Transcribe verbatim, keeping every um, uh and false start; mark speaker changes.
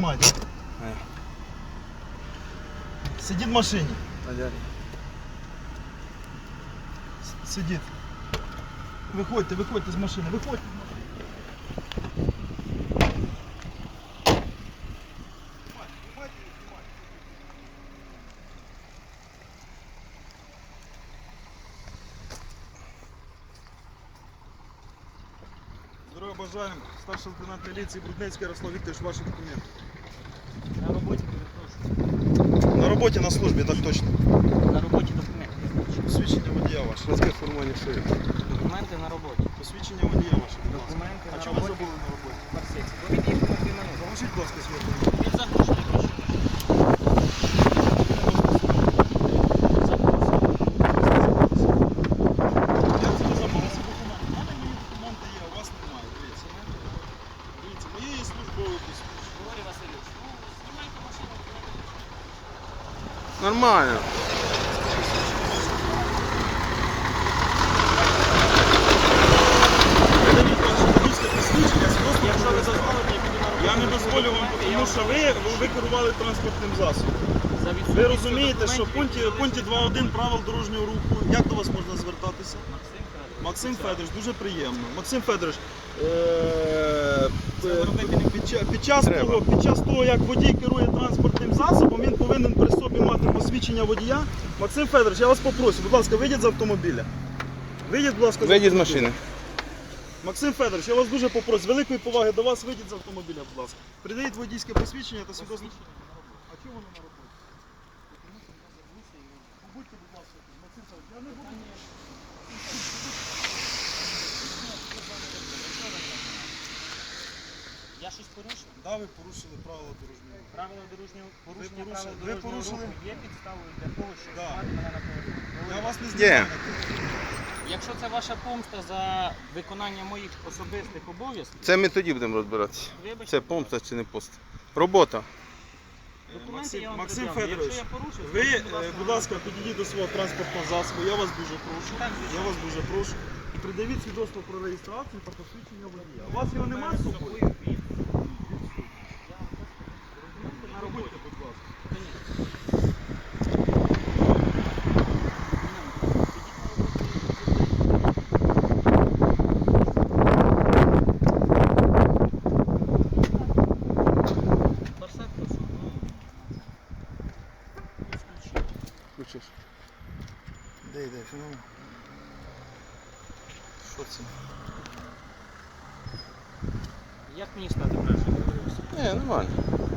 Speaker 1: знімайте. Сидить в машині. Сидить. Виходьте, виходьте з машини, виходьте. Здорово бажаємо. Старший лейтенант міліції Брудницький Ярослав Вікторович, ваші документи.
Speaker 2: На роботі перепрошую.
Speaker 1: На роботі, на службі, так точно.
Speaker 2: На роботі документи.
Speaker 1: Посвідчення водія ваше.
Speaker 3: Швидке формування шиї.
Speaker 2: Документи на роботі.
Speaker 1: Посвідчення водія ваше.
Speaker 2: Документи
Speaker 1: А
Speaker 2: на
Speaker 1: чого ви
Speaker 2: роботі.
Speaker 1: забули на роботі?
Speaker 2: Марсець. Ви від'їхали на дві минути.
Speaker 1: Поможіть, будь ласка, свій автомобіль.
Speaker 2: Він загружений гроші.
Speaker 1: Я це не забув. Ці документи. У мене мої документи є, а у вас немає. Дивіться. Дивіться, моє є службове посвідчення.
Speaker 2: Григорій Васильович, ну, знімайте машину.
Speaker 3: Нормально.
Speaker 2: Якщо ви дозволите, я піду на роботу.
Speaker 1: Я не дозволю вам, тому що ви, ви керували транспортним засобом.
Speaker 2: За
Speaker 1: Ви
Speaker 2: відсутністю
Speaker 1: розумієте, що в
Speaker 2: документів
Speaker 1: пункті, в пункті два один правил дорожнього руху, як до вас можна звертатися?
Speaker 2: Максим Федорович.
Speaker 1: Максим Федорович, дуже приємно. Максим Федорович, е, е, під, ча- під, час
Speaker 3: Треба.
Speaker 1: того, під час того, як водій керує транспортним засобом, він повинен при собі мати посвідчення водія. Максим Федорович, я вас попрошу, будь ласка, вийдіть з автомобіля. Вийдіть, будь ласка, з
Speaker 3: Вийдіть з
Speaker 1: автомобіля.
Speaker 3: машини.
Speaker 1: Максим Федорович, я вас дуже попрошу, з великої поваги до вас, вийдіть з автомобіля, будь ласка. Придавіть водійське посвідчення та свідоцтво. А чого воно на роботі? Побудьте, будь ласка, тут. Максим Федорович, я не буду.
Speaker 2: Я щось порушив?
Speaker 1: Да, ви порушили правила дорожнього руху.
Speaker 2: Правила дорожнього порушення
Speaker 1: порушили-
Speaker 2: правил
Speaker 1: ви
Speaker 2: дорожнього
Speaker 1: порушили?
Speaker 2: руху є підставою для того, щоб
Speaker 1: Да.
Speaker 2: знімати мене на поворот.
Speaker 1: Я вас не
Speaker 3: Є.
Speaker 1: знімаю.
Speaker 2: Якщо це ваша помста за виконання моїх особистих обов'язків,
Speaker 3: Це ми тоді будемо розбиратися.
Speaker 2: вибачте,
Speaker 3: Це помста чи не пост. Робота.
Speaker 2: документи
Speaker 1: Максим,
Speaker 2: я вам
Speaker 1: Максим
Speaker 2: пред'явлю.
Speaker 1: Федорович,
Speaker 2: Якщо я порушив,
Speaker 1: ви,
Speaker 2: скажіть,
Speaker 1: е, будь ласка, підійдіть до свого транспортного засобу, я вас дуже прошу.
Speaker 2: Так, звичайно.
Speaker 1: Я вас дуже прошу. І придавіть свідоцтво про реєстрацію та посвідчення водія. У вас його немає з собою?
Speaker 2: на роботі.
Speaker 1: Будь ласка.
Speaker 2: Барсет прошу.
Speaker 3: Включиш.
Speaker 1: Де йде, феномен? Що це?
Speaker 2: Як мені стати краще?
Speaker 3: Ні, нормально.